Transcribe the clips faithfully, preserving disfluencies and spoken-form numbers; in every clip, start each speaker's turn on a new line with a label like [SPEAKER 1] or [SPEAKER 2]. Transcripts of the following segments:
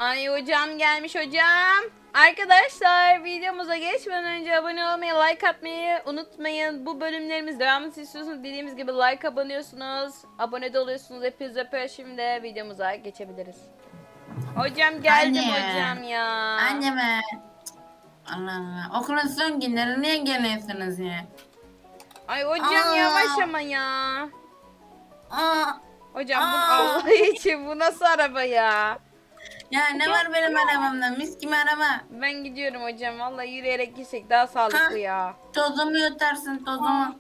[SPEAKER 1] Ay hocam gelmiş hocam. Arkadaşlar videomuza geçmeden önce abone olmayı, like atmayı unutmayın. Bu bölümlerimiz devamını istiyorsanız dediğimiz gibi like abanıyorsunuz. Abone de oluyorsunuz. Hepinizi öpüyorum. Şimdi videomuza geçebiliriz. Hocam geldim
[SPEAKER 2] Anne.
[SPEAKER 1] hocam ya.
[SPEAKER 2] Anne be. Allah Allah. Okulun son günleri niye geliyorsunuz ya?
[SPEAKER 1] Ay hocam
[SPEAKER 2] Aa.
[SPEAKER 1] yavaş ama ya.
[SPEAKER 2] Aa.
[SPEAKER 1] Hocam bu
[SPEAKER 2] Aa.
[SPEAKER 1] Allah için bu nasıl araba ya?
[SPEAKER 2] Ya ne var benim arabamda? Mis gibi araba.
[SPEAKER 1] Ben gidiyorum hocam. Vallahi yürüyerek gitsek daha sağlıklı
[SPEAKER 2] Ha.
[SPEAKER 1] ya.
[SPEAKER 2] Tozumu yutarsın tozumu.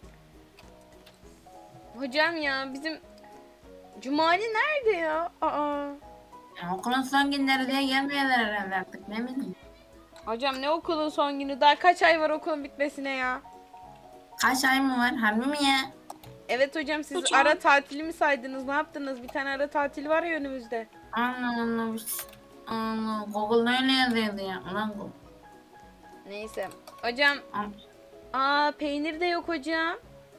[SPEAKER 1] Hocam ya bizim Cumali nerede ya? Aa.
[SPEAKER 2] Ya, okulun son günleri diye gelmiyorlar herhalde artık ne bileyim.
[SPEAKER 1] Hocam ne okulun son günü? Daha kaç ay var okulun bitmesine ya?
[SPEAKER 2] Kaç ay mı var? Harbi mi ya?
[SPEAKER 1] Evet hocam siz
[SPEAKER 3] Hocam.
[SPEAKER 1] ara tatili mi saydınız? Ne yaptınız? Bir tane ara tatil var ya önümüzde.
[SPEAKER 2] Allah Allah. Allah. Google'da öyle yazıyordu ya. Ulan Google.
[SPEAKER 1] Neyse. Hocam aa peynir de yok hocam.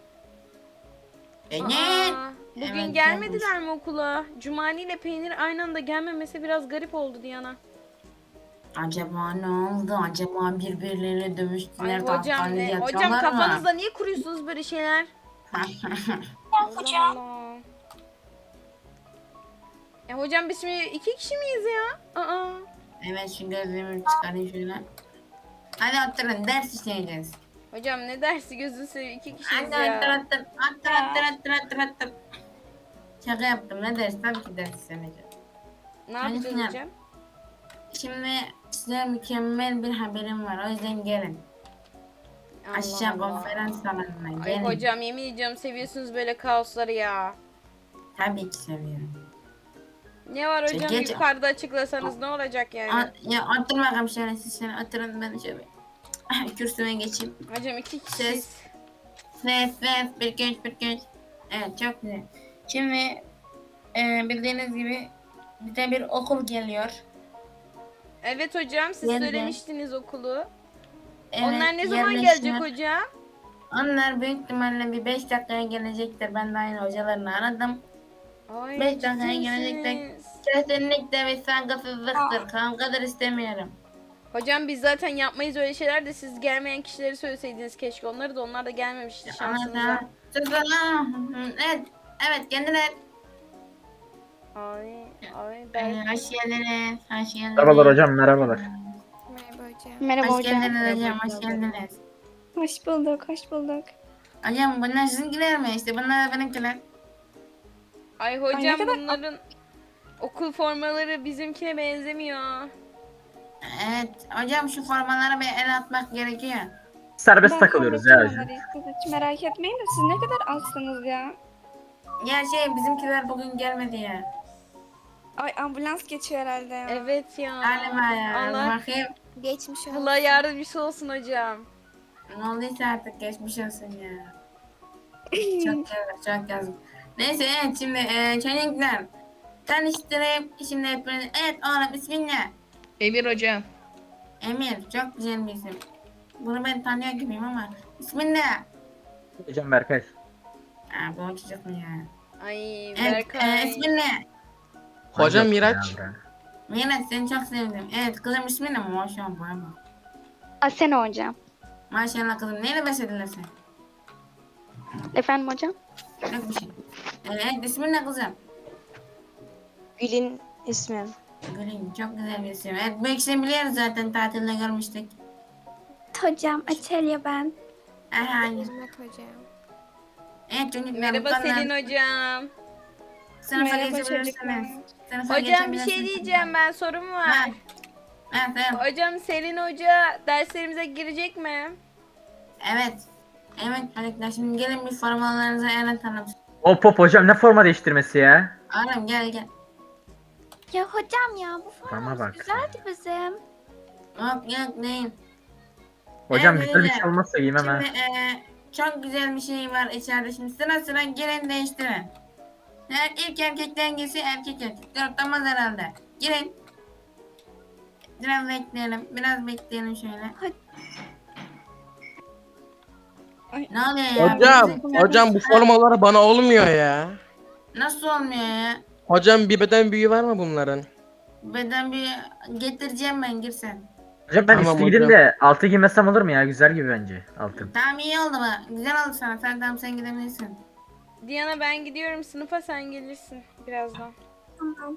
[SPEAKER 2] Beni.
[SPEAKER 1] Aa, bugün
[SPEAKER 2] Evet,
[SPEAKER 1] gelmediler mi okula? Cumali ile peynir aynı anda gelmemesi biraz garip oldu Diana.
[SPEAKER 2] Acaba ne oldu? Acaba birbirleriyle
[SPEAKER 1] Ay
[SPEAKER 2] dövüştüler.
[SPEAKER 1] hocam
[SPEAKER 2] tahtanede
[SPEAKER 1] ne? Hocam
[SPEAKER 2] yatıyorlar mı?
[SPEAKER 1] kafanızda niye kuruyorsunuz böyle şeyler?
[SPEAKER 3] Tamam hocam.
[SPEAKER 1] Allah. E hocam biz şimdi iki kişi miyiz ya? Aa.
[SPEAKER 2] Evet şu gözlüğümü çıkarayım şöyle. Hadi oturun ders işleyeceğiz.
[SPEAKER 1] Hocam ne dersi gözünü seveyim iki kişiyiz
[SPEAKER 2] Hadi
[SPEAKER 1] ya.
[SPEAKER 2] otur otur otur otur otur otur otur. Şaka yaptım ne ders tabii ki ders işlemeyeceğim.
[SPEAKER 1] Ne yapacağız
[SPEAKER 2] Çocuklar.
[SPEAKER 1] hocam?
[SPEAKER 2] Şimdi size mükemmel bir haberim var o yüzden gelin.
[SPEAKER 1] Allah
[SPEAKER 2] Aşağı
[SPEAKER 1] Allah.
[SPEAKER 2] konferans salonuna
[SPEAKER 1] Ay
[SPEAKER 2] gelin.
[SPEAKER 1] hocam yemin ediyorum seviyorsunuz böyle kaosları ya.
[SPEAKER 2] Tabii ki seviyorum.
[SPEAKER 1] Ne var hocam
[SPEAKER 2] Geç-
[SPEAKER 1] yukarıda açıklasanız ne olacak yani?
[SPEAKER 2] O, ya otur bakalım şöyle siz şöyle oturun ben şöyle kürsüme geçeyim.
[SPEAKER 1] Hocam iki kişiyiz.
[SPEAKER 2] Ses. Ses ses bir genç bir genç. Evet çok güzel. Şimdi e, bildiğiniz gibi bize bir okul geliyor.
[SPEAKER 1] Evet hocam siz
[SPEAKER 2] Geldi.
[SPEAKER 1] söylemiştiniz okulu.
[SPEAKER 2] Evet,
[SPEAKER 1] Onlar ne zaman
[SPEAKER 2] yerleştiler.
[SPEAKER 1] gelecek hocam?
[SPEAKER 2] Onlar büyük ihtimalle bir beş dakikaya gelecektir. Ben de aynı hocalarını aradım.
[SPEAKER 1] Ay
[SPEAKER 2] Beş
[SPEAKER 1] ciddi
[SPEAKER 2] dakikaya gelecekler.
[SPEAKER 1] misiniz?
[SPEAKER 2] Kesinlikle bir saygısızlıktır. Kankadır istemiyorum.
[SPEAKER 1] Hocam biz zaten yapmayız öyle şeyler de siz gelmeyen kişileri söyleseydiniz keşke. Onları da onlar da gelmemişti şansınıza.
[SPEAKER 2] Ama sus lan. Evet. Evet kendiler.
[SPEAKER 1] Ay ay
[SPEAKER 2] Ee,
[SPEAKER 1] ben.
[SPEAKER 2] hoş geldiniz. Hoş geldiniz.
[SPEAKER 4] Merhabalar hocam, merhabalar.
[SPEAKER 1] Merhaba hocam.
[SPEAKER 3] Merhaba
[SPEAKER 2] Hoş
[SPEAKER 3] hocam.
[SPEAKER 2] geldiniz hocam. Hoş geldiniz.
[SPEAKER 3] Hoş bulduk, hoş bulduk.
[SPEAKER 2] Hocam bunlar sizinkiler mi? İşte bunlar da benimkiler.
[SPEAKER 1] Ay
[SPEAKER 3] Ay,
[SPEAKER 1] hocam
[SPEAKER 3] ne kadar-
[SPEAKER 1] bunların okul formaları bizimkine benzemiyor.
[SPEAKER 2] Evet. Hocam şu formalara bir el atmak gerekiyor.
[SPEAKER 4] Serbest
[SPEAKER 3] Ben
[SPEAKER 4] takılıyoruz ya
[SPEAKER 3] halledeceğim
[SPEAKER 4] hocam.
[SPEAKER 3] onları. Siz hiç merak etmeyin de siz ne kadar azsınız ya.
[SPEAKER 2] Ya şey bizimkiler bugün gelmedi ya.
[SPEAKER 3] Ay ambulans geçiyor herhalde ya.
[SPEAKER 1] Evet ya.
[SPEAKER 2] Galiba ya.
[SPEAKER 1] Allah,
[SPEAKER 2] Bakayım.
[SPEAKER 3] Geçmiş olsun.
[SPEAKER 1] Allah yardımcısı olsun hocam.
[SPEAKER 2] Ne olduysa artık geçmiş olsun ya. Çok yazık, çok yazık. Neyse evet şimdi e, çocuklar. Tanıştırayım şimdi hepiniz. Evet oğlum ismin ne?
[SPEAKER 5] Emir hocam.
[SPEAKER 2] Emir. Çok güzel bir isim. Bunu ben tanıyor gibiyim ama. İsmin ne?
[SPEAKER 4] Hocam Berkay.
[SPEAKER 2] Aa bu çocuk mu ya?
[SPEAKER 1] Ay
[SPEAKER 2] Evet, e,
[SPEAKER 1] Berkay.
[SPEAKER 2] ismin ne?
[SPEAKER 5] Hocam
[SPEAKER 4] Yok
[SPEAKER 5] Miraç.
[SPEAKER 4] ya, bırak.
[SPEAKER 2] Miraç seni çok sevdim. Evet kızım ismin ne? Maşallah bana bak.
[SPEAKER 3] Asena hocam.
[SPEAKER 2] Maşallah kızım. Neyle beslediler seni?
[SPEAKER 3] Efendim hocam?
[SPEAKER 2] Yok bir şey. Evet ismin ne kızım?
[SPEAKER 3] Gül'ün ismim.
[SPEAKER 2] Gülün çok güzel bir isim. Evet bu ikisini biliyoruz zaten tatilde görmüştük.
[SPEAKER 6] Hocam Açelya ben.
[SPEAKER 2] Aha, hayır.
[SPEAKER 6] hocam.
[SPEAKER 2] Evet çocuklar.
[SPEAKER 1] Merhaba
[SPEAKER 2] bu konudan
[SPEAKER 1] Selin hocam.
[SPEAKER 2] Sınıfa
[SPEAKER 3] Merhaba
[SPEAKER 2] geçebilirsiniz.
[SPEAKER 3] çocuklar.
[SPEAKER 2] Sınıfa
[SPEAKER 1] Hocam bir
[SPEAKER 2] geçebilirsiniz.
[SPEAKER 1] şey diyeceğim ben sorum var.
[SPEAKER 2] Ha. Evet evet.
[SPEAKER 1] Hocam Selin hoca derslerimize girecek mi?
[SPEAKER 2] Evet. Evet çocuklar şimdi gelin bir formalarınızı anlatalım.
[SPEAKER 4] Hop hop hocam, ne forma değiştirmesi ya?
[SPEAKER 2] Oğlum gel gel.
[SPEAKER 6] Ya hocam ya bu
[SPEAKER 4] Forma
[SPEAKER 6] formamız
[SPEAKER 4] bak.
[SPEAKER 6] güzeldi bizim.
[SPEAKER 2] Yok yok değil.
[SPEAKER 4] Hocam
[SPEAKER 2] Evet,
[SPEAKER 4] güzel bir
[SPEAKER 2] öyle.
[SPEAKER 4] şey olmazsa giymem ha.
[SPEAKER 2] Şimdi eee çok güzel bir şey var içeride. Şimdi sıra sıra girin değiştirin. Her ilk erkekten giysi erkek erkek. Dörtlemez herhalde. Girin. Biraz bekleyelim. Biraz bekleyelim şöyle.
[SPEAKER 6] Hadi.
[SPEAKER 3] Ay.
[SPEAKER 2] Ne oluyor ya?
[SPEAKER 5] Hocam,
[SPEAKER 2] Bizim-
[SPEAKER 5] hocam bu
[SPEAKER 2] Ha,
[SPEAKER 5] formalar bana olmuyor ya.
[SPEAKER 2] Nasıl olmuyor ya?
[SPEAKER 5] Hocam bir beden büyüğü var mı bunların?
[SPEAKER 2] Beden bir getireceğim ben girsen.
[SPEAKER 4] Hocam ben
[SPEAKER 5] Tamam
[SPEAKER 4] üstü gideyim
[SPEAKER 5] hocam.
[SPEAKER 4] de altı giymesem olur mu ya? Güzel gibi bence altın.
[SPEAKER 2] Tamam iyi oldu mu? Güzel oldu sana. Sen tamam sen gidebilirsin.
[SPEAKER 1] Diana ben gidiyorum sınıfa, sen gelirsin birazdan.
[SPEAKER 6] Tamam.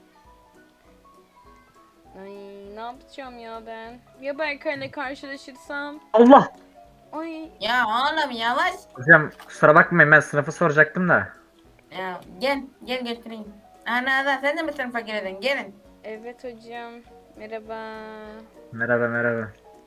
[SPEAKER 1] Ay ne yapacağım ya ben? Ya Berkay'la karşılaşırsam?
[SPEAKER 4] Allah!
[SPEAKER 1] Ay
[SPEAKER 2] Ya oğlum yavaş.
[SPEAKER 4] Hocam kusura bakmayın ben sınıfı soracaktım da.
[SPEAKER 2] Ya gel gel götüreyim. Ana da sen de mi sınıfa girdin? Gelin.
[SPEAKER 1] evet hocam. Merhaba.
[SPEAKER 4] Merhaba merhaba.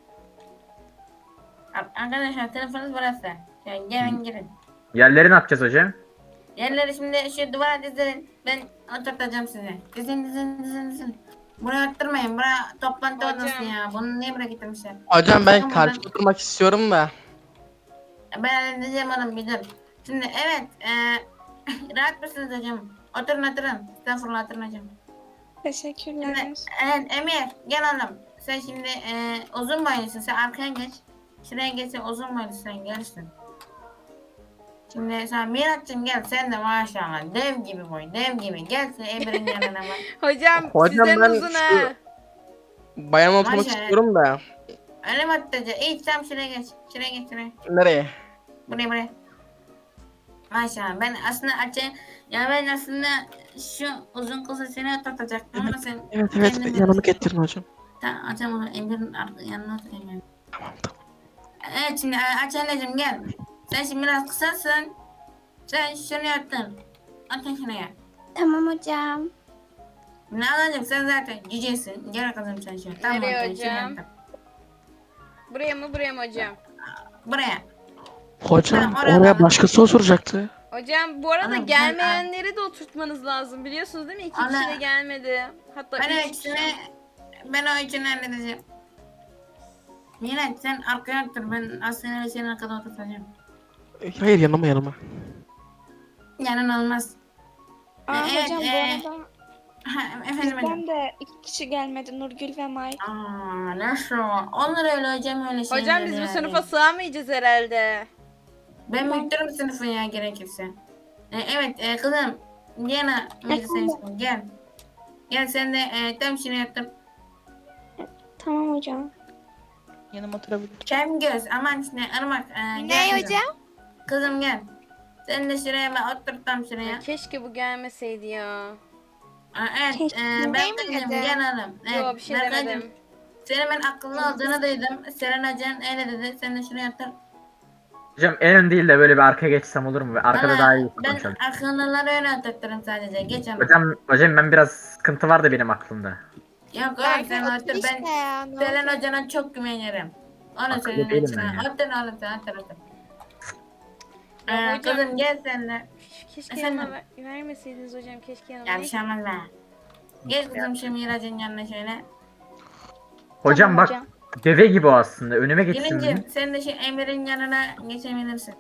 [SPEAKER 2] Ar- Arkadaşlar sınıfınız burası. Yani gelin girin.
[SPEAKER 4] Yerleri ne yapacağız hocam?
[SPEAKER 2] Yerleri şimdi şu duvara dizin. Ben oturtacağım size. Dizin dizin dizin dizin. Buraya oturmayın. Buraya toplantı
[SPEAKER 1] Hocam.
[SPEAKER 2] odası ya. Bunu niye buraya getirmişler?
[SPEAKER 5] Hocam ben
[SPEAKER 2] Tamam,
[SPEAKER 5] karşıda oturmak istiyorum da.
[SPEAKER 2] Ben halledeceğim oğlum bir dur. Şimdi evet. eee rahat mısınız hocam? Oturun oturun. Estağfurullah oturun hocam.
[SPEAKER 6] Teşekkürler.
[SPEAKER 2] Şimdi, evet Emir gel oğlum. Sen şimdi eee uzun boylusun. Sen arkaya geç. Şuraya geçsin uzun boylusun sen gelirsin. Şimdi sen Miraç'cığım gel sen de maşallah dev gibi boy dev gibi gel sen Emir'in yanına bak.
[SPEAKER 1] Hocam,
[SPEAKER 5] Hocam,
[SPEAKER 1] sizden
[SPEAKER 5] ben
[SPEAKER 1] uzun
[SPEAKER 5] şu-
[SPEAKER 1] ha.
[SPEAKER 5] Bayan oturmak
[SPEAKER 2] Maşallah.
[SPEAKER 5] istiyorum da.
[SPEAKER 2] Öyle mi atlayacak? İyi tam şuraya geç. Şuraya geç şuraya.
[SPEAKER 5] Nereye?
[SPEAKER 2] Buraya buraya. Maşallah ben aslında açı ya ben aslında şu uzun kızı seni oturtacaktım ama sen
[SPEAKER 5] Evet evet
[SPEAKER 2] kendin
[SPEAKER 5] yanımı
[SPEAKER 2] bilirsin.
[SPEAKER 5] getirin hocam.
[SPEAKER 2] Tamam açalım onu Emir'in ar- yanına oturayım ben.
[SPEAKER 5] Tamam tamam.
[SPEAKER 2] Evet şimdi e, aç anneciğim gel. Sen şimdi biraz kısasın. Sen şuraya otur. Otur şuraya.
[SPEAKER 6] Tamam hocam.
[SPEAKER 2] Ne alacağım sen zaten cücesin. Gel kızım sen şuraya. Tamam
[SPEAKER 1] Nereye
[SPEAKER 2] otur, şuraya
[SPEAKER 1] hocam?
[SPEAKER 2] otur.
[SPEAKER 1] Buraya mı buraya mı hocam?
[SPEAKER 2] Buraya.
[SPEAKER 5] Hocam
[SPEAKER 2] Tamam, oraya
[SPEAKER 5] oraya
[SPEAKER 2] bak.
[SPEAKER 5] başkası oturacaktı.
[SPEAKER 1] Hocam bu arada
[SPEAKER 2] Anam, ben-
[SPEAKER 1] gelmeyenleri de oturtmanız lazım. Biliyorsunuz değil mi? İki
[SPEAKER 2] Ana.
[SPEAKER 1] kişi de gelmedi. Hatta
[SPEAKER 2] Ben o
[SPEAKER 1] üç
[SPEAKER 2] ikisini
[SPEAKER 1] kişi.
[SPEAKER 2] ben o ikisini halledeceğim. Miraç sen arkaya otur. Ben aslında senin arkada oturtacağım.
[SPEAKER 5] Hayır yanıma yanıma.
[SPEAKER 2] Yanın olmaz.
[SPEAKER 7] Aa,
[SPEAKER 2] Evet,
[SPEAKER 7] hocam
[SPEAKER 2] e,
[SPEAKER 7] bu arada
[SPEAKER 2] Ha, efendim efendim.
[SPEAKER 7] bizden de iki kişi gelmedi. Nurgül ve Mike.
[SPEAKER 2] Aa, nasıl? Onlar öyle hocam öyle şeyler.
[SPEAKER 1] Hocam biz bu
[SPEAKER 2] yani.
[SPEAKER 1] sınıfa sığamayacağız herhalde.
[SPEAKER 2] Ben müdürüm sınıfı ya gerekirse. E, evet e, kızım. Diana müdür gel. Gel sen de e, tam şunu yaptım.
[SPEAKER 7] Tamam hocam.
[SPEAKER 5] Yanıma oturabilir.
[SPEAKER 2] Kem göz aman işte ırmak. E, gel
[SPEAKER 6] Ne
[SPEAKER 2] kızım.
[SPEAKER 6] hocam?
[SPEAKER 2] Kızım gel. Sen de şuraya ben otur tam şuraya.
[SPEAKER 1] Ya keşke bu gelmeseydi ya.
[SPEAKER 2] Aa, evet
[SPEAKER 7] Keşke.
[SPEAKER 2] e, ben
[SPEAKER 6] Değil mi
[SPEAKER 2] kızım
[SPEAKER 6] dedi?
[SPEAKER 2] gel oğlum. Evet,
[SPEAKER 1] Yo bir şey
[SPEAKER 2] Berkaycığım,
[SPEAKER 1] demedim.
[SPEAKER 2] senin ben akıllı olduğunu duydum. Seren Hocan öyle dedi. Sen de şuraya otur.
[SPEAKER 4] Hocam en ön değil de böyle bir arkaya geçsem olur mu? Arkada
[SPEAKER 2] Valla
[SPEAKER 4] daha iyi
[SPEAKER 2] ben
[SPEAKER 4] konuşalım.
[SPEAKER 2] akıllıları öyle oturturum sadece. Geç ama.
[SPEAKER 4] Hocam, hocam ben biraz sıkıntı vardı benim aklımda.
[SPEAKER 2] Yok oğlum sen
[SPEAKER 6] Berkay
[SPEAKER 2] otur.
[SPEAKER 6] otur
[SPEAKER 2] Ben
[SPEAKER 6] işte ya. ne
[SPEAKER 2] Selen
[SPEAKER 6] oldu?
[SPEAKER 2] Hoca'na çok güvenirim. Onu
[SPEAKER 4] Akıllı
[SPEAKER 2] söyleyeyim
[SPEAKER 4] değilim
[SPEAKER 2] sana.
[SPEAKER 4] ben ya.
[SPEAKER 2] Otur oğlum sen otur otur.
[SPEAKER 1] Ya
[SPEAKER 2] Ee,
[SPEAKER 1] hocam-
[SPEAKER 2] kızım gel sen de.
[SPEAKER 1] Keşke
[SPEAKER 2] Efendim?
[SPEAKER 1] yanıma ver- vermeseydiniz hocam. Keşke yanıma.
[SPEAKER 2] Ya bir şey olmaz be. Gel kızım şu Miraç'ın yanına şöyle.
[SPEAKER 4] Hocam
[SPEAKER 7] Tamam
[SPEAKER 4] bak
[SPEAKER 7] hocam.
[SPEAKER 4] deve gibi o aslında. Önüme geçsin.
[SPEAKER 2] Gelincim sen de şu Emir'in yanına geçebilirsin.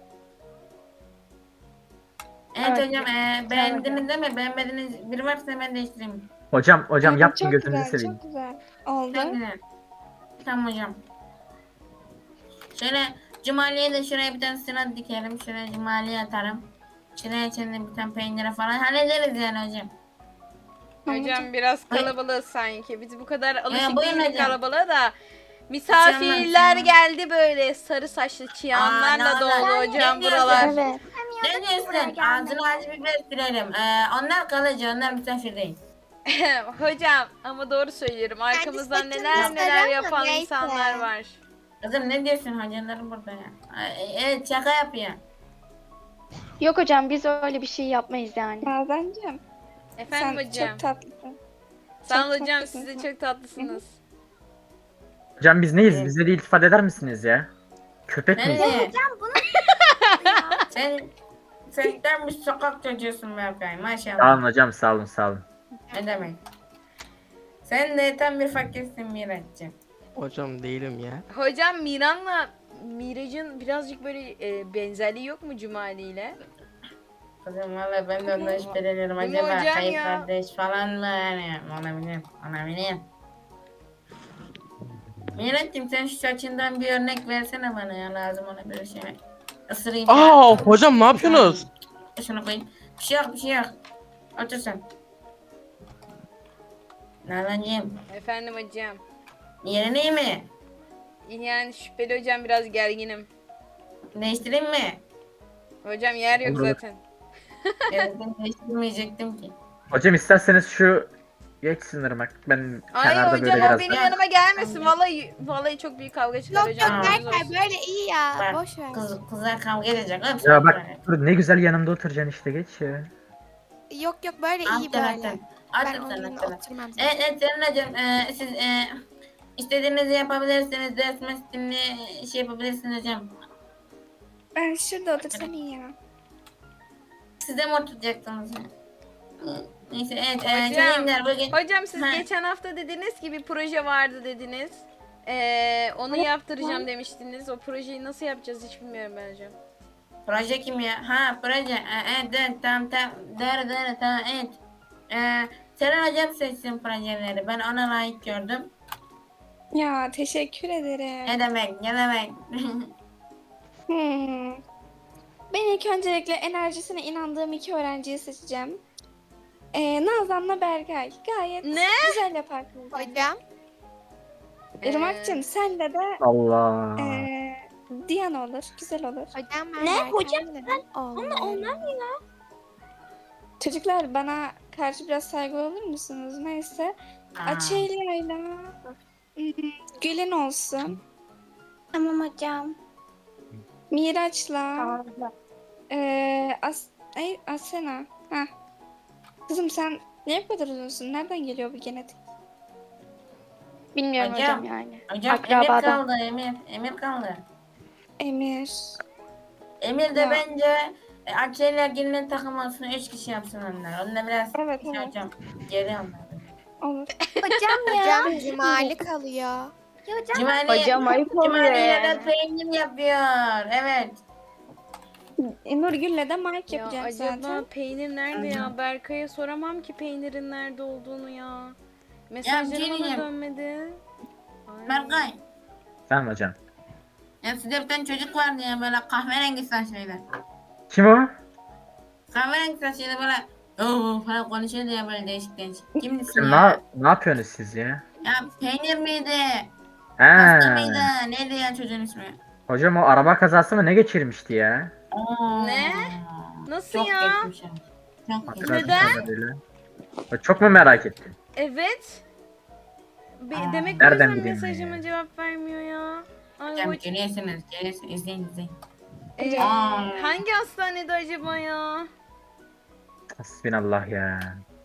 [SPEAKER 2] Evet,
[SPEAKER 7] Evet,
[SPEAKER 2] hocam ee, beğendiniz değil mi? Beğenmediğiniz biri varsa hemen değiştireyim.
[SPEAKER 4] Hocam hocam
[SPEAKER 7] Evet,
[SPEAKER 4] yapma
[SPEAKER 7] çok
[SPEAKER 4] gözünüzü
[SPEAKER 7] güzel,
[SPEAKER 4] seveyim.
[SPEAKER 7] çok güzel oldu.
[SPEAKER 2] Çok güzel. Tamam hocam. Şöyle Cumali'ye de şuraya bir tane sıra dikelim. Şuraya Cumali'ye atarım. Şuraya içinde bir tane peynire falan hallederiz yani hocam.
[SPEAKER 1] Hocam biraz kalabalığız sanki. Biz bu kadar alışık
[SPEAKER 2] buyurun
[SPEAKER 1] değiliz
[SPEAKER 2] hocam.
[SPEAKER 1] kalabalığa da. Misafirler
[SPEAKER 2] Hocam.
[SPEAKER 1] geldi böyle sarı saçlı çıyanlarla
[SPEAKER 2] Aa,
[SPEAKER 1] dolu
[SPEAKER 2] ne-
[SPEAKER 1] hocam
[SPEAKER 2] ne
[SPEAKER 1] buralar.
[SPEAKER 2] diyorsun?
[SPEAKER 7] Evet.
[SPEAKER 2] Ne diyorsun? Ağzını acı biber sürelim. Ee, onlar kalıcı, onlar misafir değil.
[SPEAKER 1] Hocam ama doğru söylüyorum. Arkamızdan
[SPEAKER 6] saçını
[SPEAKER 1] neler neler
[SPEAKER 6] gösteremem,
[SPEAKER 1] yapan
[SPEAKER 6] neyse.
[SPEAKER 1] insanlar var.
[SPEAKER 2] Kızım ne diyorsun hocalarım burada ya? Ee, Evet şaka yapıyor.
[SPEAKER 3] Yok hocam biz öyle bir şey yapmayız yani.
[SPEAKER 7] Nazancığım
[SPEAKER 1] Efendim
[SPEAKER 7] sen
[SPEAKER 1] hocam.
[SPEAKER 7] çok tatlısın.
[SPEAKER 1] Sağ ol
[SPEAKER 7] çok
[SPEAKER 1] hocam
[SPEAKER 7] tatlısın
[SPEAKER 1] siz de
[SPEAKER 7] sen.
[SPEAKER 1] çok tatlısınız.
[SPEAKER 4] Hocam biz neyiz?
[SPEAKER 2] Evet.
[SPEAKER 4] Bize de iltifat eder misiniz ya? Köpek miyiz?
[SPEAKER 2] Nereye?
[SPEAKER 6] Hocam bunu
[SPEAKER 2] Sen sen tam bir sokak çocuğusun Berkay maşallah.
[SPEAKER 4] Sağ olun hocam sağ olun sağ olun.
[SPEAKER 2] Ne demek? Sen de tam bir fakirsin Miraç'cığım.
[SPEAKER 5] Hocam değilim ya.
[SPEAKER 1] Hocam Miran'la Miraç'ın birazcık böyle e, benzerliği yok mu Cumali ile?
[SPEAKER 2] Kızım valla ben de ondan şüpheleniyorum.
[SPEAKER 1] Değil mi
[SPEAKER 2] Acaba
[SPEAKER 1] hocam
[SPEAKER 2] kayıp
[SPEAKER 1] ya?
[SPEAKER 2] kardeş falan mı yani? Olabilir, olabilir. Miraç'cığım sen şu saçından bir örnek versene bana ya lazım ona bir şey. Isırayım.
[SPEAKER 5] Aa hocam ne yapıyorsunuz?
[SPEAKER 2] Şunu koyayım. Bir şey yok, bir şey yok. Otur sen. Nazancığım,
[SPEAKER 1] Efendim hocam.
[SPEAKER 2] yerin iyi mi?
[SPEAKER 1] Yani şüpheli hocam, biraz gerginim.
[SPEAKER 2] Değiştireyim mi?
[SPEAKER 1] Hocam yer yok
[SPEAKER 4] Olur.
[SPEAKER 1] zaten.
[SPEAKER 2] Evet, ben değiştirmeyecektim ki.
[SPEAKER 4] Hocam isterseniz şu geçsin ırmak. Ben
[SPEAKER 1] Ay
[SPEAKER 4] kenarda
[SPEAKER 1] hocam
[SPEAKER 4] böyle
[SPEAKER 1] o
[SPEAKER 4] biraz
[SPEAKER 1] benim
[SPEAKER 2] daha-
[SPEAKER 1] yanıma gelmesin. Vallahi vallahi çok büyük kavga çıkar
[SPEAKER 6] Yok
[SPEAKER 1] hocam.
[SPEAKER 6] yok
[SPEAKER 2] Aa.
[SPEAKER 1] haberiniz
[SPEAKER 6] Berkay
[SPEAKER 1] olsun.
[SPEAKER 6] böyle iyi ya.
[SPEAKER 2] Bak,
[SPEAKER 6] Boş ver.
[SPEAKER 2] Kız, kızlar kavga edecek. Hop,
[SPEAKER 4] Ya bak dur, ne güzel yanımda oturacaksın işte, geç ya.
[SPEAKER 6] Yok yok böyle iyi
[SPEAKER 2] Attın
[SPEAKER 6] böyle.
[SPEAKER 2] attın.
[SPEAKER 6] Ben
[SPEAKER 2] Attın
[SPEAKER 6] onun
[SPEAKER 2] sen
[SPEAKER 6] yerine
[SPEAKER 2] attın.
[SPEAKER 6] oturmam zaten.
[SPEAKER 2] Evet evet Seren hocam, e, siz e, istediğinizi yapabilirsiniz. Ders mesleğini şey yapabilirsiniz hocam.
[SPEAKER 7] Ben şurada otursam iyi ya.
[SPEAKER 2] Siz de mi oturacaksınız? Neyse evet. E,
[SPEAKER 1] Hocam,
[SPEAKER 2] çocuklar bugün...
[SPEAKER 1] Hocam siz
[SPEAKER 2] Ha.
[SPEAKER 1] geçen hafta dediniz ki bir proje vardı dediniz. Ee, onu yaptıracağım demiştiniz. O projeyi nasıl yapacağız hiç bilmiyorum ben hocam.
[SPEAKER 2] Proje kim ya? Ha proje. E, evet evet tamam tamam. Doğru doğru tamam evet. E, Seren hocam seçsin projeleri. Ben ona layık gördüm.
[SPEAKER 7] Ya teşekkür ederim.
[SPEAKER 2] Ne demek ne demek.
[SPEAKER 7] Hmm. Ben ilk öncelikle enerjisine inandığım iki öğrenciyi seçeceğim. Ee, Nazan'la Berkay. Gayet
[SPEAKER 1] Ne?
[SPEAKER 7] güzel yaparsınız.
[SPEAKER 6] Hocam.
[SPEAKER 7] Irmak'cığım senle de
[SPEAKER 4] Allah.
[SPEAKER 7] ee, Diyan olur. Güzel olur.
[SPEAKER 6] Hocam ben
[SPEAKER 7] Ne?
[SPEAKER 6] Berkay
[SPEAKER 7] Hocam
[SPEAKER 6] dedim.
[SPEAKER 7] Ama
[SPEAKER 6] Olmaz.
[SPEAKER 7] onlar ne ya? Çocuklar bana karşı biraz saygılı olur musunuz? Neyse.
[SPEAKER 2] Aa,
[SPEAKER 7] Açelya'yla hmm, Gül'ün olsun.
[SPEAKER 6] Tamam hocam.
[SPEAKER 7] Miraç'la ee, As Ay, Asena. Heh. Kızım sen niye bu kadar uzunsun? Nereden geliyor bu genetik?
[SPEAKER 3] Bilmiyorum
[SPEAKER 2] Hocam.
[SPEAKER 3] hocam, yani.
[SPEAKER 2] Hocam Emir
[SPEAKER 3] Akrabadan.
[SPEAKER 2] kaldı Emir. Emir kaldı.
[SPEAKER 7] Emir.
[SPEAKER 2] Emir de
[SPEAKER 7] Ya.
[SPEAKER 2] bence e, Akşener gelinin takılmasını üç kişi yapsın onlar. Onunla biraz
[SPEAKER 7] Evet,
[SPEAKER 2] şey
[SPEAKER 7] evet.
[SPEAKER 2] hocam. Geri onlar.
[SPEAKER 7] Olur.
[SPEAKER 6] Hocam ya. Hocam cumali kalıyor. Ya hocam.
[SPEAKER 2] Cumali,
[SPEAKER 3] Hocam ayıp oluyor
[SPEAKER 2] Cumali ya da
[SPEAKER 3] yani.
[SPEAKER 2] peynir yapıyor. Evet.
[SPEAKER 7] E, Nurgül'le de Mike
[SPEAKER 1] Ya
[SPEAKER 7] yapacağım
[SPEAKER 1] acaba
[SPEAKER 7] zaten.
[SPEAKER 1] peynir nerede ya? Berkay'a soramam ki peynirin nerede olduğunu ya. Mesajları bana
[SPEAKER 2] diyeceğim.
[SPEAKER 1] dönmedi. Ay.
[SPEAKER 2] Berkay.
[SPEAKER 4] Sen hocam.
[SPEAKER 2] Ya sizde bir tane çocuk vardı ya böyle kahverengi saçlıydı.
[SPEAKER 4] Kim o?
[SPEAKER 2] Kahverengi saçlıydı böyle ooo falan konuşuyordu ya böyle değişik değişik. Kimdi
[SPEAKER 4] Kim
[SPEAKER 2] ya?
[SPEAKER 4] ne, ne yapıyorsunuz siz ya?
[SPEAKER 2] Ya peynir miydi?
[SPEAKER 4] He.
[SPEAKER 2] Pasta mıydı? Neydi ya çocuğun ismi?
[SPEAKER 4] Hocam o araba kazası mı ne geçirmişti ya?
[SPEAKER 2] Oo.
[SPEAKER 1] Ne? Nasıl
[SPEAKER 2] Çok
[SPEAKER 1] ya?
[SPEAKER 2] geçmiş ya. Çok geçmiş.
[SPEAKER 4] Hatırladığım
[SPEAKER 1] Neden?
[SPEAKER 4] kadarıyla. Ya çok mu merak ettin?
[SPEAKER 1] Evet. Be-
[SPEAKER 2] Aa.
[SPEAKER 1] demek o
[SPEAKER 4] Nereden
[SPEAKER 1] yüzden
[SPEAKER 4] bileyim ben
[SPEAKER 1] mesajıma
[SPEAKER 4] ya?
[SPEAKER 1] cevap vermiyor ya. Ay
[SPEAKER 2] Hocam
[SPEAKER 1] hoca-
[SPEAKER 2] görüyorsunuz, görüyorsunuz. İzleyin izleyin.
[SPEAKER 1] Ee,
[SPEAKER 2] Aa.
[SPEAKER 1] hangi hastanede acaba ya?
[SPEAKER 4] Hasbinallah ya.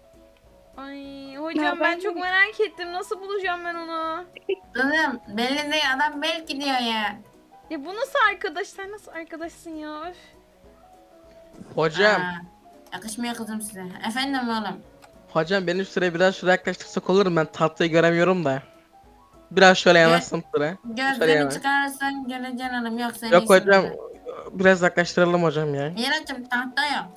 [SPEAKER 1] Ay
[SPEAKER 7] Ya
[SPEAKER 1] hocam ben
[SPEAKER 7] ben
[SPEAKER 1] çok
[SPEAKER 7] de-
[SPEAKER 1] merak ettim. Nasıl bulacağım ben onu?
[SPEAKER 2] Kızım belli değil adam belki diyor ya.
[SPEAKER 1] Ya bu nasıl arkadaş? Sen nasıl arkadaşsın ya? Öf.
[SPEAKER 5] Hocam.
[SPEAKER 2] Aa, yakışmıyor kızım size. Efendim oğlum.
[SPEAKER 5] Hocam benim şuraya biraz şuraya yaklaştırsak olur mu? Ben tahtayı göremiyorum da. Biraz şöyle yanaşsam şuraya. Şöyle
[SPEAKER 2] Gözlerini
[SPEAKER 5] yana.
[SPEAKER 2] çıkarırsan göreceksin oğlum yoksa
[SPEAKER 5] Yok
[SPEAKER 2] neyse
[SPEAKER 5] hocam.
[SPEAKER 2] burada.
[SPEAKER 5] Biraz yaklaştıralım hocam ya.
[SPEAKER 2] Miraç'ım tahta yok.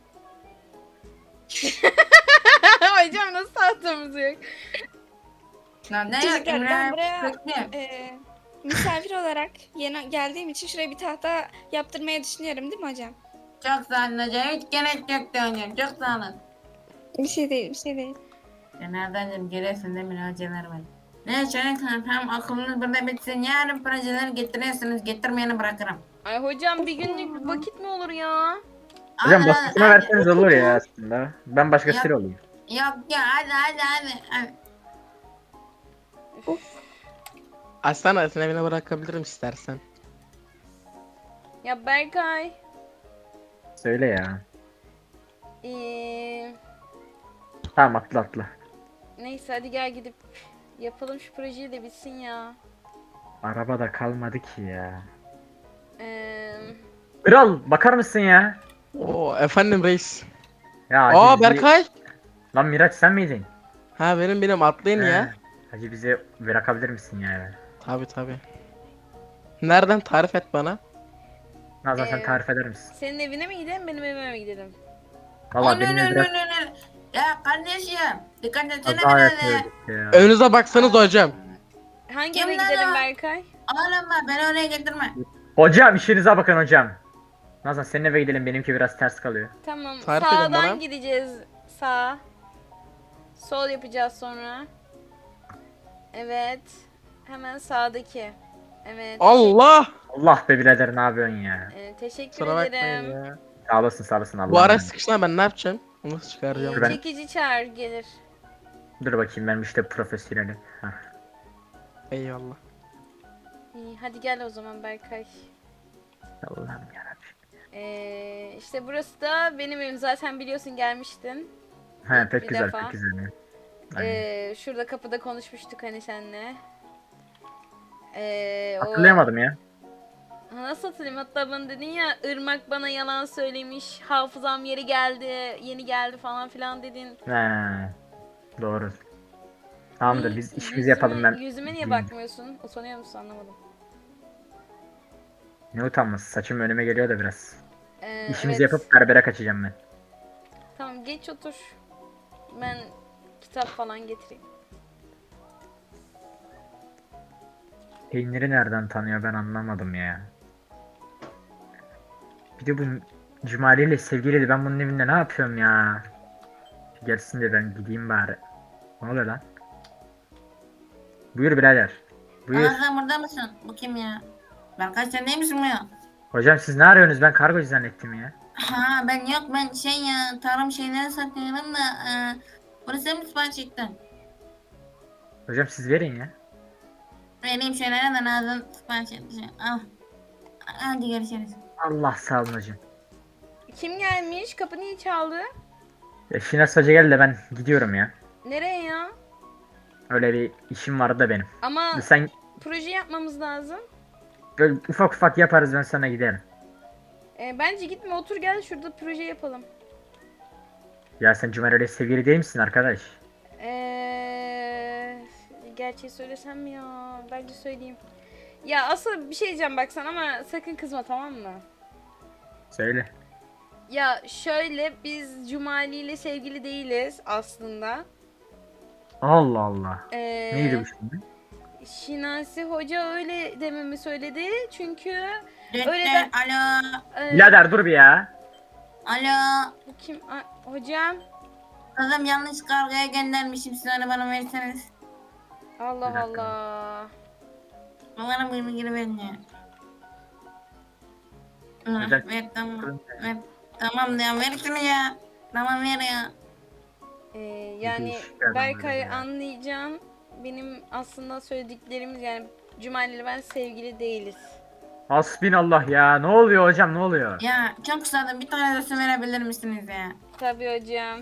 [SPEAKER 1] hocam nasıl tahtamız yok?
[SPEAKER 2] Lan ne yok
[SPEAKER 7] Çocuklar, ben
[SPEAKER 2] Emre?
[SPEAKER 7] buraya-
[SPEAKER 2] Bekle.
[SPEAKER 7] Ee, misafir olarak yeni geldiğim için şuraya bir tahta yaptırmayı düşünüyorum değil mi hocam?
[SPEAKER 2] Çok sağ olun hocam. Hiç gerek yoktu hocam. Çok sağ olun.
[SPEAKER 7] Bir şey değil, bir şey değil.
[SPEAKER 2] Ya nereden görüyorsun değil mi hocalar var. Ne çocuklar hem okulunuz burada bitsin. Yarın projeleri getiriyorsunuz. Getirmeyeni bırakırım.
[SPEAKER 1] Ay hocam bir günlük vakit mi olur ya?
[SPEAKER 4] Hocam
[SPEAKER 2] Hadi,
[SPEAKER 4] başkasına
[SPEAKER 2] hadi,
[SPEAKER 4] verseniz olur ya aslında. Ben başkasıyla
[SPEAKER 2] Yok.
[SPEAKER 4] olayım.
[SPEAKER 2] Yok ya hadi hadi hadi. hadi.
[SPEAKER 5] Aslan sen evine bırakabilirim istersen.
[SPEAKER 1] Ya Berkay.
[SPEAKER 4] Söyle ya.
[SPEAKER 1] Ee,
[SPEAKER 4] Tamam atla atla.
[SPEAKER 1] neyse hadi gel gidip yapalım şu projeyi de bitsin ya.
[SPEAKER 4] Arabada kalmadı ki ya.
[SPEAKER 1] Ee,
[SPEAKER 4] Kral bakar mısın ya?
[SPEAKER 5] Oo efendim reis.
[SPEAKER 4] Ya
[SPEAKER 5] Aa
[SPEAKER 4] Hacı bizi-
[SPEAKER 5] Berkay.
[SPEAKER 4] Lan Miraç sen miydin?
[SPEAKER 5] Ha benim benim atlayın ya.
[SPEAKER 4] He. Hacı bize bırakabilir misin ya?
[SPEAKER 5] Tabi tabi. Nereden tarif et bana?
[SPEAKER 4] Nazan sen
[SPEAKER 1] Ee,
[SPEAKER 4] tarif eder misin?
[SPEAKER 1] senin evine mi gidelim benim evime mi gidelim?
[SPEAKER 4] Valla
[SPEAKER 2] Ön,
[SPEAKER 4] benim
[SPEAKER 2] ön, ön,
[SPEAKER 4] biraz
[SPEAKER 2] ön, ön. Ya kardeşim. Dikkat etsene
[SPEAKER 4] kaza
[SPEAKER 2] biraz ya.
[SPEAKER 4] yapıyorduk ya.
[SPEAKER 5] Önünüze baksanız hocam.
[SPEAKER 1] Hangi
[SPEAKER 2] Kim
[SPEAKER 1] eve
[SPEAKER 2] lan
[SPEAKER 1] gidelim
[SPEAKER 2] o?
[SPEAKER 1] Berkay?
[SPEAKER 2] Oğlum bak beni oraya getirme.
[SPEAKER 4] Hocam işinize bakın hocam. Nazan senin eve gidelim benimki biraz ters kalıyor.
[SPEAKER 1] Tamam
[SPEAKER 5] Tarif edin
[SPEAKER 1] sağdan
[SPEAKER 5] bana.
[SPEAKER 1] gideceğiz. Sağ. Sol yapacağız sonra. Evet. Hemen sağdaki. Evet.
[SPEAKER 5] Allah!
[SPEAKER 4] Allah be birader ne yapıyorsun ya?
[SPEAKER 1] Ee, teşekkür
[SPEAKER 5] Kusura bakmayın
[SPEAKER 1] ederim.
[SPEAKER 5] ya.
[SPEAKER 4] Sağ olasın sağ olasın Allah.
[SPEAKER 5] Bu ara sıkışına ben ne yapacağım? Nasıl çıkaracağım?
[SPEAKER 1] Ee,
[SPEAKER 4] Ben-
[SPEAKER 1] çekici çağır gelir.
[SPEAKER 4] Dur bakayım benim işte profesyonelim. Hah.
[SPEAKER 5] Eyvallah.
[SPEAKER 1] İyi, hadi gel o zaman Berkay.
[SPEAKER 4] Allah'ım yarabbim.
[SPEAKER 1] Ee, işte burası da benim evim. Zaten biliyorsun gelmiştin.
[SPEAKER 4] He
[SPEAKER 1] Bir
[SPEAKER 4] pek güzel
[SPEAKER 1] defa.
[SPEAKER 4] pek güzel. ya. Aynen.
[SPEAKER 1] Ee, şurada kapıda konuşmuştuk hani seninle. Ee, o-
[SPEAKER 4] Hatırlayamadım ya.
[SPEAKER 1] Ha, nasıl hatırlayayım? Hatta bana dedin ya Irmak bana yalan söylemiş. Hafızam yeri geldi. Yeni geldi falan filan dedin.
[SPEAKER 4] He. Doğru. Tamamdır
[SPEAKER 1] İyi,
[SPEAKER 4] biz işimizi
[SPEAKER 1] yüzüme-
[SPEAKER 4] yapalım ben.
[SPEAKER 1] Yüzüme niye
[SPEAKER 4] Hmm.
[SPEAKER 1] bakmıyorsun? Utanıyor musun anlamadım.
[SPEAKER 4] Ne utanması saçım önüme geliyor da biraz.
[SPEAKER 1] Ee,
[SPEAKER 4] İşimizi
[SPEAKER 1] evet.
[SPEAKER 4] yapıp berbere kaçacağım ben.
[SPEAKER 1] Tamam geç otur. Ben kitap falan getireyim.
[SPEAKER 4] Peyniri nereden tanıyor ben anlamadım ya. Bir de bu Cumali ile sevgiliydi. Ben bunun evinde ne yapıyorum ya? Gelsin de ben gideyim bari. Ne oluyor lan? Buyur birader. Buyur.
[SPEAKER 2] Aa sen burada mısın? Bu kim ya? Berkay sen değil misin bu ya?
[SPEAKER 4] Hocam siz ne arıyorsunuz? Ben kargocu zannettim ya.
[SPEAKER 2] Ha ben yok ben şey ya tarım şeyleri satıyorum da e, bunu sen mi sipariş ettin?
[SPEAKER 4] Hocam siz verin ya.
[SPEAKER 2] Vereyim şeylere de Nazım sipariş etmiş. Al. Hadi görüşürüz.
[SPEAKER 4] Allah sağ olun hocam.
[SPEAKER 1] Kim gelmiş? Kapı niye çaldı?
[SPEAKER 4] Ya Şinas Hoca geldi de ben gidiyorum ya.
[SPEAKER 1] Nereye ya?
[SPEAKER 4] Öyle bir işim vardı da benim.
[SPEAKER 1] Ama
[SPEAKER 4] Sen
[SPEAKER 1] proje yapmamız lazım.
[SPEAKER 4] böyle ufak ufak yaparız ben sana giderim.
[SPEAKER 1] Ee, bence gitme otur gel şurada proje yapalım.
[SPEAKER 4] Ya sen Cumali ile sevgili değil misin arkadaş?
[SPEAKER 1] Ee, gerçeği söylesem mi ya? Bence söyleyeyim. Ya asıl bir şey diyeceğim bak sana ama sakın kızma tamam mı?
[SPEAKER 4] Söyle.
[SPEAKER 1] Ya şöyle biz Cumali ile sevgili değiliz aslında.
[SPEAKER 4] Allah Allah.
[SPEAKER 1] Ee,
[SPEAKER 4] Neydi bu şimdi?
[SPEAKER 1] Şinasi Hoca öyle dememi söyledi çünkü
[SPEAKER 2] Dün
[SPEAKER 1] Öyle
[SPEAKER 2] dün,
[SPEAKER 1] de-
[SPEAKER 2] alo.
[SPEAKER 1] e,
[SPEAKER 4] Birader dur bir ya.
[SPEAKER 2] Alo.
[SPEAKER 1] bu kim? A- hocam
[SPEAKER 2] Kızım yanlış kargoya göndermişim siz onu bana verirseniz.
[SPEAKER 1] Allah
[SPEAKER 4] Bir dakika.
[SPEAKER 1] Allah.
[SPEAKER 2] Bana bu bilgiyi verin ya. Hı,
[SPEAKER 4] Neden?
[SPEAKER 2] ver tamam. Ver. Tamam ya ver şunu ya. Tamam ver ya.
[SPEAKER 1] Ee, yani
[SPEAKER 4] değişik bir adam
[SPEAKER 1] Berkay
[SPEAKER 4] böyle ya.
[SPEAKER 1] anlayacağım. Benim aslında söylediklerimiz yani Cumali ile ben sevgili değiliz.
[SPEAKER 4] Hasbinallah ya. Ne oluyor hocam ne oluyor?
[SPEAKER 2] Ya çok kısadı bir tane resim verebilir misiniz ya?
[SPEAKER 1] Tabii hocam.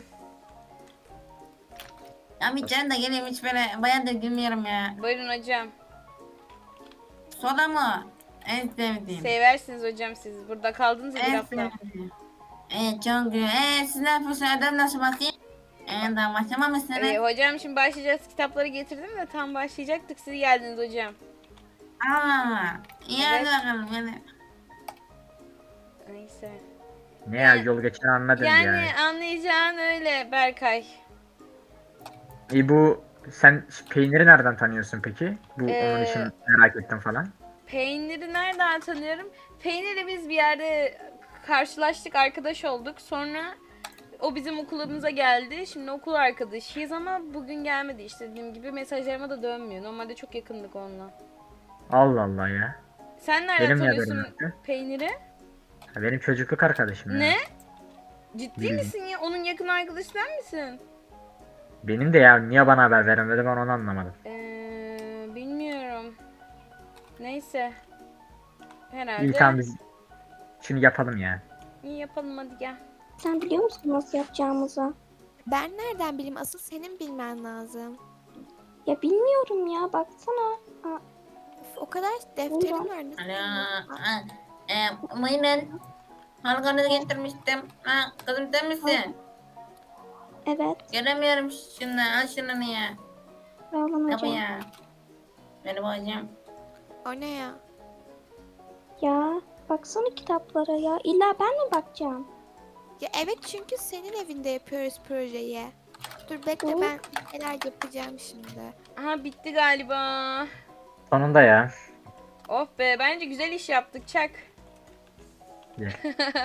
[SPEAKER 2] Ya bir kere de geleyim hiç böyle bayağıdır gülmüyorum ya.
[SPEAKER 1] Buyurun hocam.
[SPEAKER 2] Soda mı? En sevdiğim.
[SPEAKER 1] Seversiniz hocam siz. Burada kaldınız ya bir
[SPEAKER 2] en
[SPEAKER 1] hafta.
[SPEAKER 2] sevdiğim. Evet çok güzel. Eee siz ne yapıyorsunuz? Ödev nasıl bakayım? Eee daha başlamamışsınız.
[SPEAKER 1] Ee, hocam şimdi başlayacağız. Kitapları getirdim de tam başlayacaktık. Siz geldiniz hocam.
[SPEAKER 2] Allah Allah. İyi
[SPEAKER 1] Evet.
[SPEAKER 2] hadi bakalım hadi.
[SPEAKER 1] Neyse.
[SPEAKER 4] Ne ya yol geçen anladım
[SPEAKER 1] Yani
[SPEAKER 4] ya.
[SPEAKER 1] anlayacağın öyle Berkay.
[SPEAKER 4] İyi bu sen peyniri nereden tanıyorsun peki? Bu onun
[SPEAKER 1] Ee,
[SPEAKER 4] için merak ettim falan.
[SPEAKER 1] Peyniri nereden tanıyorum? Peynir'i biz bir yerde karşılaştık, arkadaş olduk. Sonra o bizim okulumuza geldi. Şimdi okul arkadaşıyız ama bugün gelmedi işte dediğim gibi mesajlarıma da dönmüyor. Normalde çok yakındık onunla.
[SPEAKER 4] Allah Allah ya.
[SPEAKER 1] Sen nereden
[SPEAKER 4] Benim ne haberim
[SPEAKER 1] tanıyorsun
[SPEAKER 4] yoktu?
[SPEAKER 1] Peynir'i?
[SPEAKER 4] Ha, benim çocukluk arkadaşım ya.
[SPEAKER 1] Ne? Ciddi
[SPEAKER 4] Bilmiyorum.
[SPEAKER 1] misin ya? Onun yakın arkadaşı sen misin?
[SPEAKER 4] Benim de ya niye bana haber vermedi ben onu anlamadım.
[SPEAKER 1] Ee, bilmiyorum. Neyse. Herhalde.
[SPEAKER 4] İyi tamam biz şunu yapalım ya.
[SPEAKER 1] İyi yapalım hadi gel.
[SPEAKER 3] Sen biliyor musun nasıl yapacağımızı?
[SPEAKER 6] Ben nereden bileyim? Asıl senin bilmen lazım.
[SPEAKER 3] Ya bilmiyorum ya baksana. Aa,
[SPEAKER 6] Üf, o kadar defterim
[SPEAKER 3] Buyurun.
[SPEAKER 6] var. Nasıl
[SPEAKER 2] Alo.
[SPEAKER 6] bilmiyorum?
[SPEAKER 2] Ha, Eee buyurun. Halkanızı getirmiştim. Ha kızım sen misin?
[SPEAKER 3] evet.
[SPEAKER 2] Göremiyorum şunu. Al şunu ya.
[SPEAKER 3] Sağ
[SPEAKER 2] Kapı
[SPEAKER 3] hocam.
[SPEAKER 2] ya. Benim hocam.
[SPEAKER 6] O ne ya?
[SPEAKER 3] Ya baksana kitaplara ya. İlla ben mi bakacağım?
[SPEAKER 6] Ya evet çünkü senin evinde yapıyoruz projeyi. Dur bekle
[SPEAKER 3] Hı?
[SPEAKER 6] ben neler yapacağım şimdi.
[SPEAKER 1] Aha bitti galiba.
[SPEAKER 4] Sonunda ya.
[SPEAKER 1] Of be bence güzel iş yaptık çak.
[SPEAKER 4] Güzel.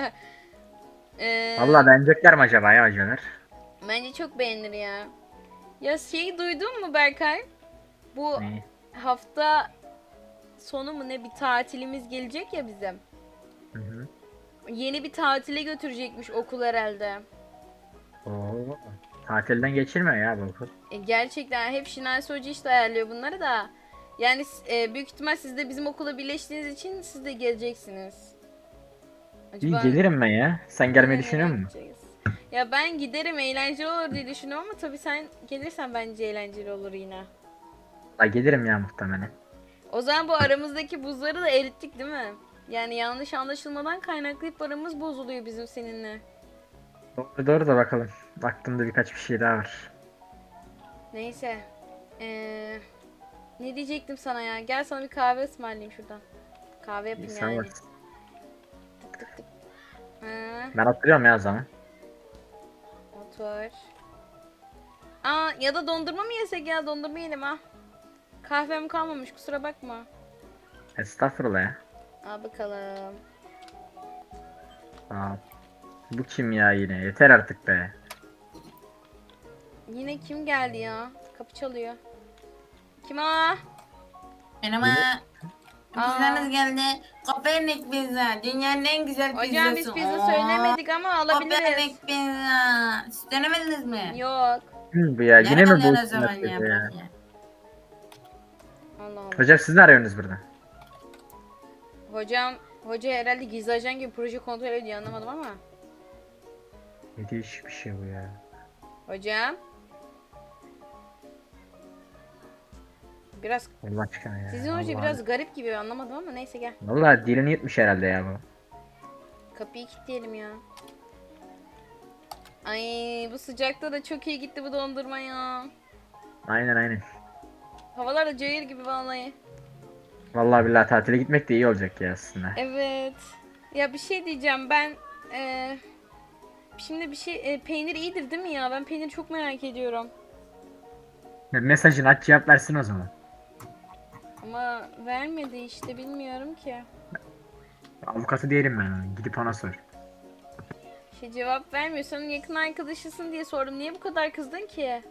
[SPEAKER 1] Ee,
[SPEAKER 4] Vallahi beğenecekler mi acaba ya hocalar?
[SPEAKER 1] Bence çok beğenir ya. Ya şeyi duydun mu Berkay? Bu
[SPEAKER 4] Ne?
[SPEAKER 1] hafta sonu mu ne bir tatilimiz gelecek ya bizim.
[SPEAKER 4] Hı hı.
[SPEAKER 1] Yeni bir tatile götürecekmiş okul herhalde.
[SPEAKER 4] Oo. Tatilden geçirmiyor ya bu okul.
[SPEAKER 1] E, gerçekten hep Şinasi Hoca işte ayarlıyor bunları da. Yani e, büyük ihtimal siz de bizim okula birleştiğiniz için siz de geleceksiniz.
[SPEAKER 4] İyi
[SPEAKER 1] Acaba
[SPEAKER 4] gelirim ben ya. Sen gelmeyi
[SPEAKER 1] nereye
[SPEAKER 4] düşünüyor musun?
[SPEAKER 1] gideceğiz? Ya ben giderim, eğlenceli olur diye düşünüyorum ama tabii sen gelirsen bence eğlenceli olur yine.
[SPEAKER 4] La gelirim ya muhtemelen.
[SPEAKER 1] O zaman bu aramızdaki buzları da erittik değil mi? Yani yanlış anlaşılmadan kaynaklayıp aramız bozuluyor bizim seninle.
[SPEAKER 4] Doğru doğru da bakalım. Aklımda birkaç bir şey daha var.
[SPEAKER 1] Neyse. Ee, ne diyecektim sana ya? Gel sana bir kahve ısmarlayayım şuradan. Kahve
[SPEAKER 4] İyi,
[SPEAKER 1] yapayım
[SPEAKER 4] sen
[SPEAKER 1] yani.
[SPEAKER 4] varsın.
[SPEAKER 1] Tık tık tık. Ha,
[SPEAKER 4] Ben hatırlıyorum ya o zaman.
[SPEAKER 1] otur. Aa, ya da dondurma mı yesek ya? Dondurma yiyelim ha. Kahvem kalmamış, kusura bakma.
[SPEAKER 4] Estağfurullah ya.
[SPEAKER 1] Al bakalım.
[SPEAKER 4] Aa, bu kim ya yine? Yeter artık be.
[SPEAKER 1] Yine kim geldi ya? Kapı çalıyor. Kim o?
[SPEAKER 2] Merhaba.
[SPEAKER 1] Aa.
[SPEAKER 2] Pizzanız geldi. Kopernik pizza. Dünyanın en güzel pizzası.
[SPEAKER 1] Hocam biz pizza
[SPEAKER 2] Oo.
[SPEAKER 1] söylemedik ama alabiliriz.
[SPEAKER 2] Kopernik pizza. Siz denemediniz mi?
[SPEAKER 1] Yok.
[SPEAKER 4] Kim bu ya? Yine mi
[SPEAKER 2] Nereden
[SPEAKER 4] bu
[SPEAKER 2] o zaman
[SPEAKER 4] hükümet
[SPEAKER 2] ya?
[SPEAKER 4] dedi ya?
[SPEAKER 2] Bırak ya.
[SPEAKER 1] Allah Allah.
[SPEAKER 4] Hocam siz ne arıyorsunuz burada?
[SPEAKER 1] Hocam, hoca herhalde gizli ajan gibi proje kontrol ediyor, anlamadım ama.
[SPEAKER 4] Ne değişik bir şey bu ya.
[SPEAKER 1] Hocam. Biraz,
[SPEAKER 4] Allah aşkına ya.
[SPEAKER 1] sizin hoca
[SPEAKER 4] Allah
[SPEAKER 1] biraz garip gibi, anlamadım ama neyse gel.
[SPEAKER 4] Vallahi dilini yutmuş herhalde ya bu.
[SPEAKER 1] Kapıyı kilitleyelim ya. Ay bu sıcakta da çok iyi gitti bu dondurma ya.
[SPEAKER 4] Aynen aynen.
[SPEAKER 1] Havalar da cayır gibi vallahi.
[SPEAKER 4] Vallahi billahi tatile gitmek de iyi olacak ya aslında.
[SPEAKER 1] Evet. Ya bir şey diyeceğim ben. eee, şimdi bir şey, e, peynir iyidir değil mi ya? Ben peyniri çok merak ediyorum.
[SPEAKER 4] Mesajını aç cevap versin o zaman.
[SPEAKER 1] Ama vermedi işte, bilmiyorum ki.
[SPEAKER 4] Avukatı diyelim ben ona. Gidip ona sor.
[SPEAKER 1] Şey cevap vermiyor. Senin yakın arkadaşısın diye sordum. Niye bu kadar kızdın ki?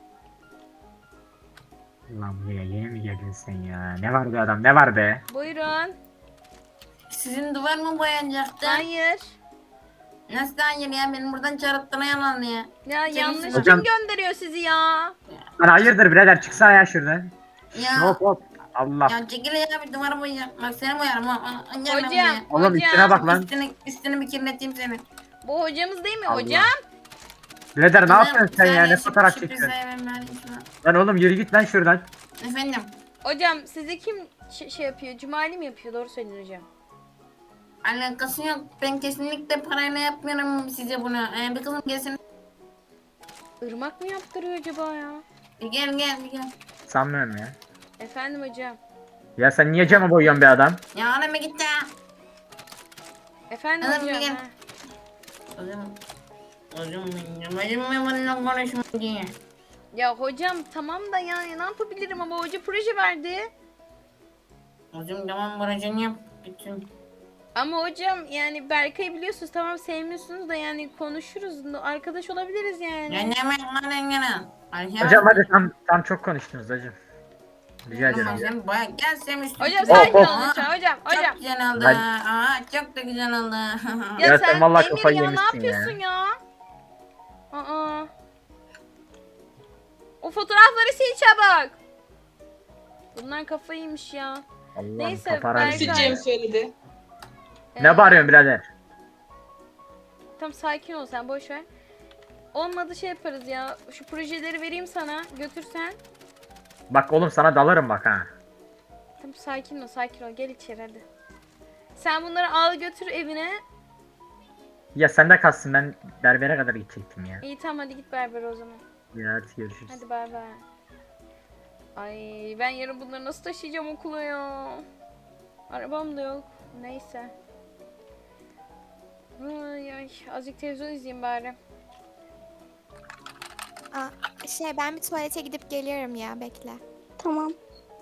[SPEAKER 4] Ulan buraya yeni mi geldin sen ya? Ne var be adam ne var be?
[SPEAKER 1] Buyurun.
[SPEAKER 2] Sizin duvar mı boyanacaktı?
[SPEAKER 1] Hayır.
[SPEAKER 2] Nasıl hayır ya? Benim buradan çarıttığına yalan ya.
[SPEAKER 1] Ya
[SPEAKER 2] Senin
[SPEAKER 1] yanlış
[SPEAKER 4] hocam-
[SPEAKER 1] kim gönderiyor sizi ya?
[SPEAKER 4] Lan hayırdır birader çıksana ya şuradan.
[SPEAKER 2] Ya.
[SPEAKER 4] Hop hop. Allah.
[SPEAKER 2] Ya çekil ya, bir duvarı boyayacağım. Bak seni boyarım. ha, ha, ha, gel ben
[SPEAKER 1] Hocam,
[SPEAKER 2] buraya.
[SPEAKER 4] Oğlum
[SPEAKER 1] hocam.
[SPEAKER 4] üstüne bak lan.
[SPEAKER 2] Üstünü, üstünü bir kirleteyim seni.
[SPEAKER 1] Bu hocamız değil mi
[SPEAKER 4] Allah.
[SPEAKER 1] hocam?
[SPEAKER 4] Birader ne
[SPEAKER 2] Kızım,
[SPEAKER 4] yapıyorsun sen ya?
[SPEAKER 2] saniye,
[SPEAKER 4] Ne
[SPEAKER 2] şu-
[SPEAKER 4] fotoğraf
[SPEAKER 2] şu
[SPEAKER 4] çekiyorsun?
[SPEAKER 2] pizzayı ben vereyim şuna.
[SPEAKER 4] Lan oğlum yürü git lan şuradan.
[SPEAKER 2] Efendim.
[SPEAKER 1] Hocam sizi kim ş- şey yapıyor? Cumali mi yapıyor? Doğru söyledin hocam.
[SPEAKER 2] Alakası yok. Ben kesinlikle parayla yapmıyorum size bunu. Ee, bir kızım gelsin.
[SPEAKER 1] Irmak mı yaptırıyor acaba ya?
[SPEAKER 2] Bir gel gel bir gel.
[SPEAKER 4] Sanmıyorum ya.
[SPEAKER 1] Efendim hocam.
[SPEAKER 4] Ya sen niye cama boyuyorsun be adam?
[SPEAKER 2] Ya anam bir git ya.
[SPEAKER 1] Efendim
[SPEAKER 2] Adam
[SPEAKER 1] hocam.
[SPEAKER 2] gel.
[SPEAKER 1] ha.
[SPEAKER 2] Kızım. Kızım benim. Bacım ben bununla konuşma diye.
[SPEAKER 1] Ya hocam tamam da yani ne yapabilirim ama hoca proje verdi.
[SPEAKER 2] Kızım tamam buracını yap. Bütün.
[SPEAKER 1] Ama hocam yani Berkay'ı biliyorsunuz, tamam sevmiyorsunuz da yani konuşuruz. Arkadaş olabiliriz yani.
[SPEAKER 2] Ya ne demek lan engene?
[SPEAKER 4] Hocam hadi tam tam çok konuştunuz hocam. Rica ederim.
[SPEAKER 2] Sen baya gel sen üstüne.
[SPEAKER 1] Hocam
[SPEAKER 4] Hop,
[SPEAKER 1] sakin
[SPEAKER 4] hop.
[SPEAKER 1] olun lütfen hocam. Hocam.
[SPEAKER 2] Çok güzel oldu.
[SPEAKER 4] Ben-
[SPEAKER 2] Aa çok da güzel oldu.
[SPEAKER 1] Ya,
[SPEAKER 4] Ya
[SPEAKER 1] sen,
[SPEAKER 4] sen vallahi
[SPEAKER 1] Emir
[SPEAKER 4] kafayı
[SPEAKER 1] ya ne
[SPEAKER 4] yemişsin ya.
[SPEAKER 1] yapıyorsun ya? Aa. O fotoğrafları sil çabuk. Bunlar kafayı yemiş ya.
[SPEAKER 4] Allah'ım
[SPEAKER 1] Neyse,
[SPEAKER 4] paparazzi.
[SPEAKER 1] Berkay-
[SPEAKER 8] Cem söyledi.
[SPEAKER 1] Ee,
[SPEAKER 4] Ne bağırıyorsun birader?
[SPEAKER 1] Tamam sakin ol sen, boş ver. Olmadı şey yaparız ya. Şu projeleri vereyim sana, götürsen.
[SPEAKER 4] Bak oğlum sana dalarım bak ha.
[SPEAKER 1] Tamam sakin ol, sakin ol. Gel içeri hadi. Sen bunları al götür evine.
[SPEAKER 4] Ya sen de kalsın ben berbere kadar gidecektim ya.
[SPEAKER 1] İyi tamam hadi git berber o zaman.
[SPEAKER 4] Ya hadi görüşürüz.
[SPEAKER 1] Hadi bay bay. Ay ben yarın bunları nasıl taşıyacağım okula ya? Arabam da yok. Neyse. Ay ay azıcık televizyon izleyeyim bari.
[SPEAKER 6] Aa, şey ben bir tuvalete gidip geliyorum ya, bekle.
[SPEAKER 3] Tamam.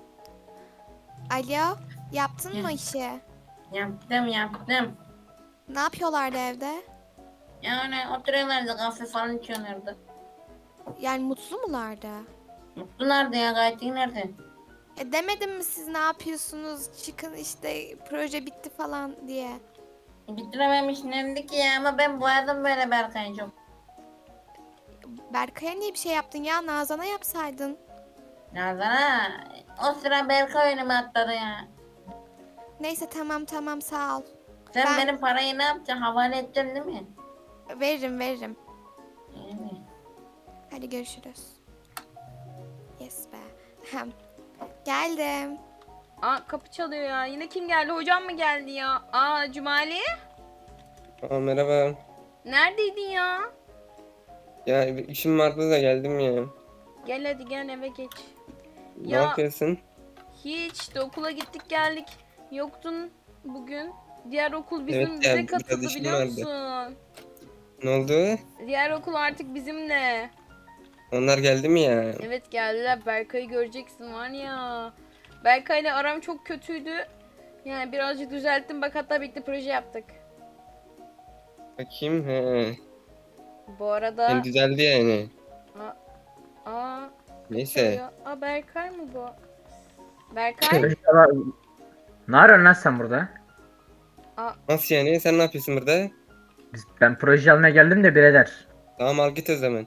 [SPEAKER 6] Alo, yaptın mı
[SPEAKER 2] Hı.
[SPEAKER 6] işi?
[SPEAKER 2] Yaptım yaptım.
[SPEAKER 6] Ne yapıyorlardı evde?
[SPEAKER 2] Yani oturuyorlardı kahve falan içiyorlardı.
[SPEAKER 6] Yani mutlu mulardı?
[SPEAKER 2] Mutlu nerede ya? Gayet iyi nerede?
[SPEAKER 6] E demedim mi siz ne yapıyorsunuz? Çıkın işte proje bitti falan diye.
[SPEAKER 2] Bitirememiş nerede ki ya? Ama ben boyadım böyle Berkay'ı çok.
[SPEAKER 6] Berkay'a niye bir şey yaptın ya? Nazan'a yapsaydın.
[SPEAKER 2] Nereden ha? O sıra Berkay önüme atladı ya.
[SPEAKER 6] Neyse tamam tamam sağ ol.
[SPEAKER 2] Sen
[SPEAKER 6] Ben-
[SPEAKER 2] benim parayı ne yapacaksın? Havale edeceksin değil mi?
[SPEAKER 6] Veririm veririm.
[SPEAKER 2] İyi mi?
[SPEAKER 6] Hadi görüşürüz. Yes be. Hem. Geldim.
[SPEAKER 1] Aa kapı çalıyor ya. Yine kim geldi? Hocam mı geldi ya? Aa Cumali?
[SPEAKER 8] Aa, merhaba.
[SPEAKER 1] Neredeydin ya?
[SPEAKER 8] Ya bir işim vardı da geldim ya.
[SPEAKER 1] Gel hadi gel eve geç.
[SPEAKER 8] Ne
[SPEAKER 1] Ya-
[SPEAKER 8] yapıyorsun?
[SPEAKER 1] Hiç de okula gittik geldik. Yoktun bugün. Diğer okul bizim
[SPEAKER 8] Evet
[SPEAKER 1] bize
[SPEAKER 8] ya, biraz
[SPEAKER 1] katıldı
[SPEAKER 8] işim
[SPEAKER 1] biliyor
[SPEAKER 8] vardı.
[SPEAKER 1] musun?
[SPEAKER 8] Ne oldu?
[SPEAKER 1] Diğer okul artık bizimle.
[SPEAKER 8] Onlar geldi mi ya?
[SPEAKER 1] Evet geldiler. Berkay'ı göreceksin var ya. Berkay'la aram çok kötüydü. Yani birazcık düzelttim. Bak hatta birlikte proje yaptık.
[SPEAKER 8] Bakayım. He.
[SPEAKER 1] Bu arada...
[SPEAKER 8] Yani düzeldi yani.
[SPEAKER 1] Aa,
[SPEAKER 8] Neyse.
[SPEAKER 1] çalıyor. Aa Berkay mı bu? Berkay?
[SPEAKER 4] Ne arıyorsun lan sen burada?
[SPEAKER 8] Nasıl yani? Sen ne yapıyorsun burada?
[SPEAKER 4] Biz, ben proje almaya geldim de birader.
[SPEAKER 8] Tamam al git o zaman.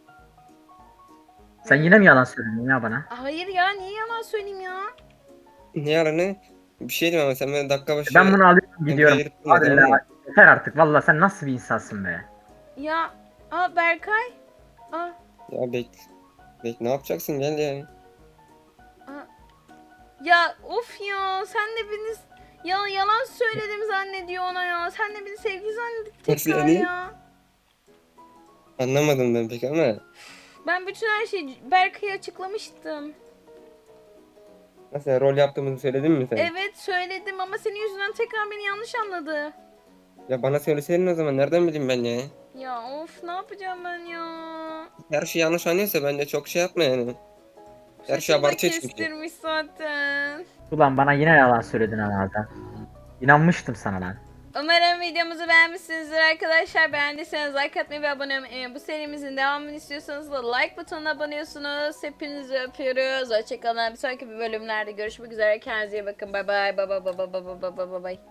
[SPEAKER 4] Sen yine mi yalan söyledin ya bana?
[SPEAKER 1] Hayır ya niye yalan söyleyeyim ya?
[SPEAKER 8] Ne yalanı? Bir şey diyeyim ama sen böyle dakika başı...
[SPEAKER 4] Ben bunu alıyorum gidiyorum.
[SPEAKER 8] Emre'ye gidip durma,
[SPEAKER 4] Hadi
[SPEAKER 8] tamam mı?
[SPEAKER 4] la. Yeter artık valla sen nasıl bir insansın be?
[SPEAKER 1] Ya aa Berkay. Aa,
[SPEAKER 8] Ya bek... Bek ne yapacaksın gel ya.
[SPEAKER 1] aa. Ya of ya sen de beni ya yalan söyledim zannediyor ona ya. Sen de beni sevgili zannedip
[SPEAKER 8] Nasıl
[SPEAKER 1] tekrar
[SPEAKER 8] yani?
[SPEAKER 1] ya.
[SPEAKER 8] Anlamadım ben pek ama.
[SPEAKER 1] Ben bütün her şeyi Berkay'a açıklamıştım.
[SPEAKER 8] Nasıl yani, rol yaptığımızı söyledin mi sen?
[SPEAKER 1] Evet söyledim ama senin yüzünden tekrar beni yanlış anladı.
[SPEAKER 8] Ya bana söyleseydin o zaman nereden bileyim ben ya?
[SPEAKER 1] Ya of ne yapacağım ben ya?
[SPEAKER 8] Her şey yanlış anlıyorsa bence çok şey yapma yani. Her şey
[SPEAKER 1] Saçımı da
[SPEAKER 8] abartıyor çünkü.
[SPEAKER 1] kestirmiş zaten.
[SPEAKER 4] Ulan bana yine yalan söyledin herhalde. İnanmıştım sana lan.
[SPEAKER 1] Umarım videomuzu beğenmişsinizdir arkadaşlar. Beğendiyseniz like atmayı ve abone olmayı. Eğer bu serimizin devamını istiyorsanız da like butonuna abonıyorsunuz. Hepinizi öpüyoruz. Hoşçakalın. Bir sonraki bölümlerde görüşmek üzere. Kendinize iyi bakın. Bay bay. Bay bay bay bay bay bay bay bay.